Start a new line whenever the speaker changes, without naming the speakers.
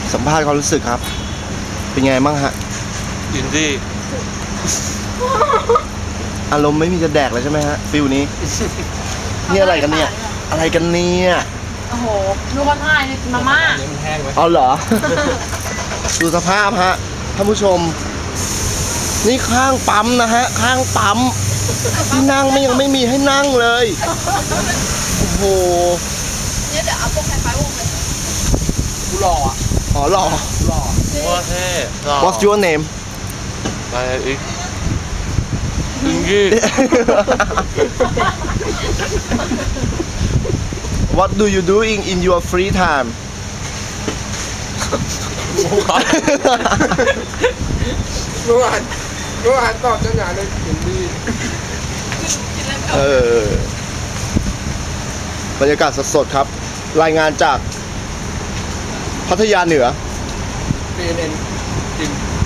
สัมภาษณ์ความรู้สึกครับ เป็นไงบ้างฮะ
อินดี้
อารมณ์ไม่มีจะแดกเลยใช่ไหมฮะฟิลนี้ นี่อะไรกันเนี่ย อะไรกันเนี่ย
โอ้โหดูคนถ่ายเนี่ยมาม่า
อันนี้มันแห้งไหม
เอาเหรอ ดูสภาพฮะท่านผู้ชม นี่ข้างปั๊มนะฮะ ข้างปั๊มที่นั่งไม่ยังไม่มีให้นั่งเลย โอ้โห
เนี่ยเดี๋ยวเอาพวกคล้ายๆวงเลย
กูหล่ออ่ะ
อ๋อหล่อ
หล่อว่าเท่หล่อ
What's your name
ไปอีกอินดี้
What do you doing in your free time
เมื่อวานตอบเจ้าหน้าเลยอินดี้
บรรยากาศสดๆครับ รายงานจากพัทยาเหนือ
CNN จริง